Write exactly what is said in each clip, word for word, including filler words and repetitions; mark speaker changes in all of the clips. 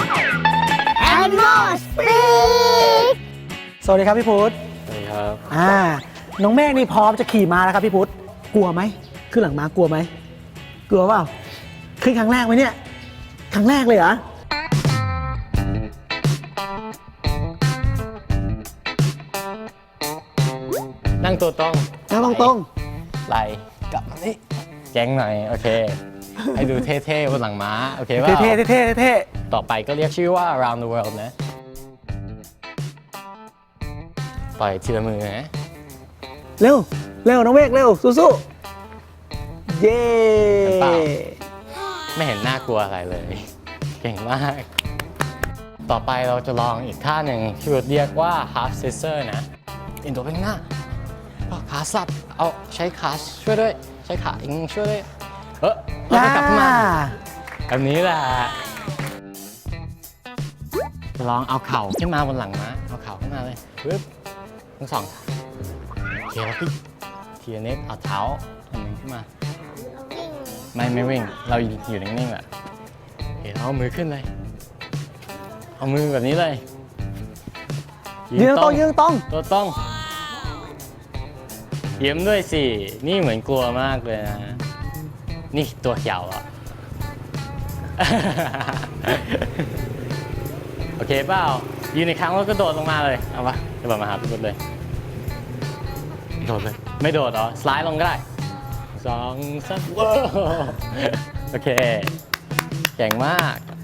Speaker 1: Animal Speak
Speaker 2: สวัสดีครับพี่พุทธ
Speaker 3: สวัสดีครับ
Speaker 2: อ่าน้องเมฆนี่พร้อมจะขี่ม้าแล้วครับพี่พุทธกลัวไหมขึ้นหลังม้ากลัวไหมกลัวเปล่าขึ้นครั้งแรกไหมเนี่ยครั้งแรกเลยเหรอ
Speaker 3: นั่งตัวตรง
Speaker 2: นั่งตรง
Speaker 3: ไหลกลับมานี่แจ้งหน่อย โอเค ให้ดูเท่ๆบนหลังม้า โอเค
Speaker 2: ๆ
Speaker 3: ป่ะ
Speaker 2: เท่ๆเท่ๆเท่
Speaker 3: ต่อไปก็เรียกชื่อว่า around the world นะ ปล่อยทีละมือนะ
Speaker 2: ๆเร็วเร็วน้องเมฆเร็วสู้ๆเย้
Speaker 3: เปล่า ไม่เห็นน่ากลัวอะไรเลย เก่งมาก ต่อไปเราจะลองอีกท่าหนึ่งที่เรียกว่า half scissor นะเอ็นตัวไปข้างหน้าเอาขาสับเอาใช้ขาช่วยด้วย ใช้ขาอิงช่วยด้วยเออแล้วก็กลับขึ้นมาแบบนี้แหละจะลองเอาเข่าขึ้นมาบนหลังม้าเอาเข่าขึ้นมาเลยปึ๊บทั้งสองโอเคแล้วพี่ทีละนิดเอาเท้าอันหนึ่งขึ้นมาไม่ไม่วิ่งเราอยู่นิ่งๆแหละโอเคเอามือขึ้นเลยเอามือแบบนี้เลย
Speaker 2: ยืนตรงยืนตรง
Speaker 3: ตัวต้องยิ้มด้วยสิ นี่เหมือนกลัวมากเลยนะ นี่ตัวเขียวอ่ะ โอเคเปล่ายืนในครั้งแล้วก็โดดลงมาเลย เอาปะจะแบบมาหาพี่บุตรเลย โดดเลย ไม่โดดเหรอ สไลด์ลงก็ได้สองสามว้าวโอเคเก่งมาก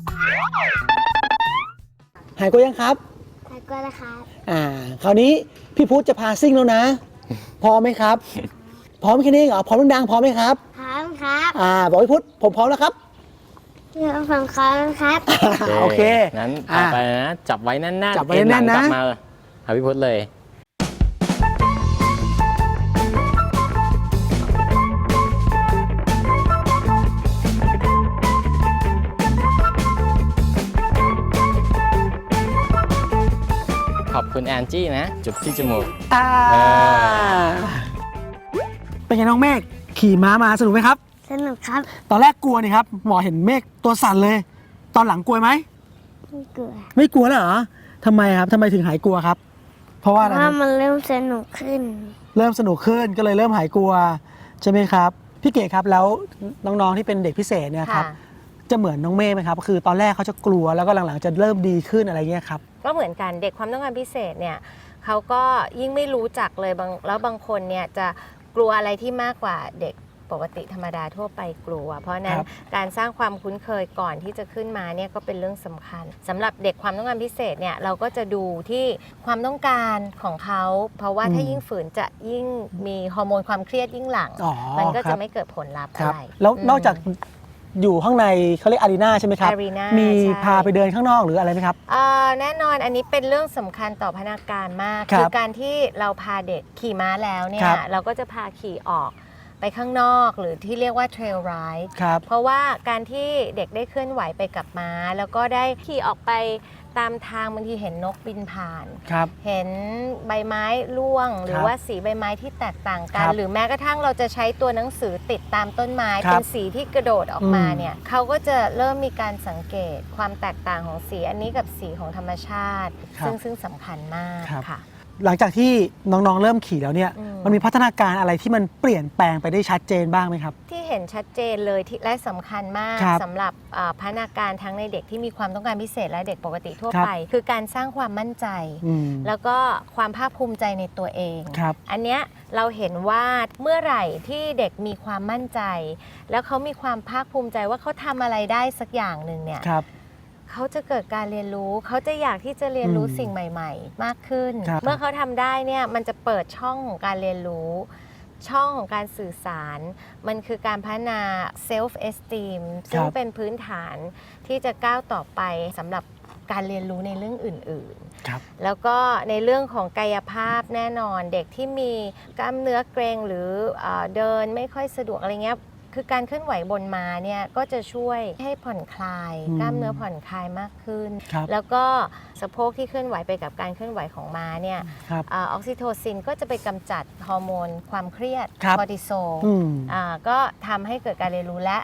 Speaker 2: หายกลัวยังครับ
Speaker 1: ขอบคุณนะครับ
Speaker 2: อ่าคราวนี้พี่พุทธจะพาซิ่งแล้วนะพร้อมไหมครับพร้อมแค่นี้เหรอพร้อมดังๆพร้อมไหมครับ
Speaker 1: พร้อมครับ
Speaker 2: อ่าบอกพี่พุทธผมพร้อมแล้วครับ
Speaker 1: เดี๋ยวผมขอครับ
Speaker 2: โอเค
Speaker 3: งั้น
Speaker 2: อ่ะ
Speaker 3: เอาไปนะ จับไว้แน่นๆ
Speaker 2: จับไว้แน่นๆนะ
Speaker 3: เอ็หลังกลับมาเลยหาพี่พุทธเลย ขอบคุณแอนจี้นะ จุบที่จมูก
Speaker 2: อ่า
Speaker 3: เอ
Speaker 2: เป็นไงน้องเมฆขี่ม้ามาสนุกไหมครับ
Speaker 1: สนุกครับ
Speaker 2: ตอนแรกกลัวนี่ครับหมอเห็นเมฆตัวสั่นเลย ตอนหลังกลัวไหม
Speaker 1: ไม่กลัว
Speaker 2: ไม่กลัวแล้วเหรอทำไมครับทำไมถึงหายกลัวครับ เพราะว่าอะไร
Speaker 1: ว่า
Speaker 2: นะ
Speaker 1: มันเริ่มสนุกขึ้น
Speaker 2: เริ่มสนุกขึ้นก็เลยเริ่มหายกลัวใช่ไหมครับพี่เก๋ครับแล้วน้องๆที่เป็นเด็กพิเศษเนี่ยครับ
Speaker 4: ค่ะ
Speaker 2: จะเหมือนน้องเมฆไหมครับคือตอนแรกเขาจะกลัวแล้วก็หลังๆจะเริ่มดีขึ้นอะไรเงี้ยครับ
Speaker 4: ก็เหมือนกันเด็กความต้องการพิเศษเนี่ยเขาก็ยิ่งไม่รู้จักเลยบางแล้วบางคนเนี่ยจะกลัวอะไรที่มากกว่าเด็กปกติธรรมดาทั่วไปกลัว เพราะฉะนั้น
Speaker 2: ครับ
Speaker 4: การสร้างความคุ้นเคยก่อนที่จะขึ้นมาเนี่ยก็เป็นเรื่องสำคัญสำหรับเด็กความต้องการพิเศษเนี่ยเราก็จะดูที่ความต้องการของเขาเพราะว่าถ้ายิ่งฝืนจะยิ่งมีฮอร์โมนความเครียดยิ่งหลัง
Speaker 2: อ๋อ
Speaker 4: มันก็
Speaker 2: ครั
Speaker 4: จะ
Speaker 2: บ
Speaker 4: ไม่เกิดผลลัพธ์
Speaker 2: ค
Speaker 4: อะ
Speaker 2: รับ
Speaker 4: ไร
Speaker 2: แล้ว
Speaker 4: อืม
Speaker 2: นอกจากอยู่ข้างในเขาเรียกอารีนาใช่ไหมครับ
Speaker 4: Arena
Speaker 2: มี
Speaker 4: ใช่
Speaker 2: พาไปเดินข้างนอกหรืออะไรไหมครับ
Speaker 4: เอ่อแน่นอนอันนี้เป็นเรื่องสำคัญต่อพนักงานมาก
Speaker 2: ครับ
Speaker 4: การที่เราพาเด็กขี่ม้าแล้วเนี่
Speaker 2: ค
Speaker 4: ย
Speaker 2: รับ
Speaker 4: เราก็จะพาขี่ออกไปข้างนอกหรือที่เรียกว่าเทรลไรด์
Speaker 2: ครับ
Speaker 4: เพราะว่าการที่เด็กได้เคลื่อนไหวไปกับม้า แล้วก็ได้ขี่ออกไปตามทางบางทีเห็นนกบินผ่าน
Speaker 2: ครับ
Speaker 4: เห็นใบไม้ร่วง หรือว่าสีใบไม้ที่แตกต่างกั
Speaker 2: คน รับ
Speaker 4: หรือแม้กระทั่งเราจะใช้ตัวหนังสือติดตามต้นไม้
Speaker 2: ครับ
Speaker 4: เป็นสีที่กระโดดออกมา
Speaker 2: อืม
Speaker 4: เนี่ยเขาก็จะเริ่มมีการสังเกตความแตกต่างของสีอันนี้กับสีของธรรมชาติ
Speaker 2: ครับ
Speaker 4: ซึ่งซึ่งสำคัญมาก
Speaker 2: ครับ
Speaker 4: ค่ะ
Speaker 2: หลังจากที่น้องๆเริ่มขี่แล้วเนี่ย
Speaker 4: อืม
Speaker 2: มันมีพัฒนาการอะไรที่มันเปลี่ยนแปลงไปได้ชัดเจนบ้างไหมครับ
Speaker 4: ที่เห็นชัดเจนเลยที่และสำคัญมาก
Speaker 2: ครับ
Speaker 4: สำหรับอ่าพัฒนาการทั้งในเด็กที่มีความต้องการพิเศษและเด็กปกติทั่ว
Speaker 2: ครับ
Speaker 4: ไป คือการสร้างความมั่นใจ
Speaker 2: อืม
Speaker 4: แล้วก็ความภาคภูมิใจในตัวเอง
Speaker 2: ครับ
Speaker 4: อันเนี้ยเราเห็นว่าเมื่อไหร่ที่เด็กมีความมั่นใจ แล้วเขามีความภาคภูมิใจว่าเขาทำอะไรได้สักอย่างหนึ่งเนี่ย
Speaker 2: ครับ
Speaker 4: เขาจะเกิดการเรียนรู้ เขาจะอยากที่จะเรียนรู้
Speaker 2: อืม
Speaker 4: สิ่งใหม่ ๆ มากขึ้น
Speaker 2: ครับ
Speaker 4: เมื่อเขาทำได้เนี่ยมันจะเปิดช่องของการเรียนรู้ ช่องของการสื่อสาร มันคือการพัฒนา self esteem ซึ่งเป็นพื้นฐานที่จะก้าวต่อไปสำหรับการเรียนรู้ในเรื่องอื่น ๆ
Speaker 2: ครับ
Speaker 4: แล้วก็ในเรื่องของกายภาพแน่นอนเด็กที่มีกล้ามเนื้อเกร็งหรือเออเดินไม่ค่อยสะดวกอะไรเงี้ยคือการเคลื่อนไหวบนม้าเนี่ยก็จะช่วยให้ผ่อนคลาย
Speaker 2: อืม
Speaker 4: กล้ามเนื้อผ่อนคลายมากขึ้น
Speaker 2: ครับ
Speaker 4: แล้วก็สะโพกที่เคลื่อนไหวไปกับการเคลื่อนไหวของม้าเนี่ย
Speaker 2: ครับ
Speaker 4: เออออกซิโทซินก็จะไปกำจัดฮอร์โมนความเครียด
Speaker 2: ครับ
Speaker 4: คอร์ติโซล
Speaker 2: อืม
Speaker 4: อ่าก็ทำให้เกิดการเรียนรู้และ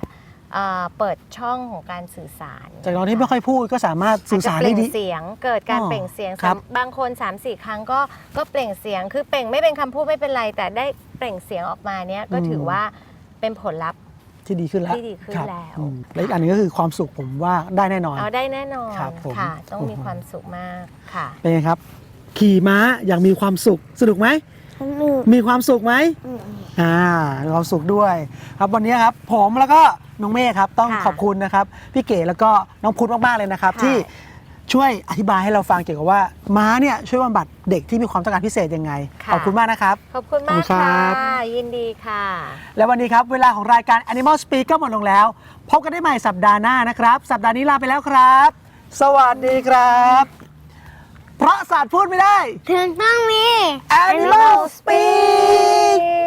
Speaker 4: เอ่อเปิดช่องของการสื่อสาร
Speaker 2: จากตอนที่ไม่ค่อยพูดก็สามารถสื่อสารได้ดี
Speaker 4: อาจจะเปล่งเสียงเกิดการ
Speaker 2: อ๋อ
Speaker 4: เปล่งเสียง
Speaker 2: ครับ
Speaker 4: บางคน สามสี่ ครั้งก็ก็เปล่งเสียงคือเปล่งไม่เป็นคำพูดไม่เป็นไร แต่ได้เปล่งเสียงออกมาเนี้ยก็ถือว่าเป็นผลลัพธ์
Speaker 2: ที่ดีขึ้นแล้ว
Speaker 4: ที่ดีขึ้น
Speaker 2: ครับ
Speaker 4: แล้ว
Speaker 2: อืมและอีกอันหนึงก็คือความสุขผมว่าได้แน่นอน
Speaker 4: เอาได้แน่นอน
Speaker 2: ครับผม
Speaker 4: ค่ะ ต้องมี
Speaker 2: โอ้โห
Speaker 4: ความสุขมากค่ะ
Speaker 2: เป็นไงครับ ขี่ม้าอย่างมีความสุขสนุกไหม
Speaker 1: สนุก
Speaker 2: มีความสุขไหม
Speaker 1: อืม
Speaker 2: อ่ามีความสุขด้วย ครับวันนี้ครับผมแล้วก็น้องเมฆครับต้อง
Speaker 4: ค่ะ
Speaker 2: ขอบคุณนะครับพี่เก๋แล้วก็น้องพุทธมากๆเลยนะครับ
Speaker 4: ค่ะ
Speaker 2: ที่ช่วยอธิบายให้เราฟังเกี่ยวกับว่าม้าเนี่ยช่วยบำบัดเด็กที่มีความต้องการพิเศษยังไง
Speaker 4: ค่ะ
Speaker 2: ขอบคุณมากนะครับ
Speaker 4: ขอบคุณมาก
Speaker 2: ขอบคุณครั
Speaker 4: ค่ะ
Speaker 2: บ
Speaker 4: ยินดีค่ะ
Speaker 2: และวันนี้ครับเวลาของรายการ Animal Speak ก็หมดลงแล้ว พบกันได้ใหม่สัปดาห์หน้านะครับ สัปดาห์นี้ลาไปแล้วครับ สวัสดีครับ เพราะศาสตร์พูดไม่ได้
Speaker 1: ถึงต้องมี
Speaker 2: Animal Speak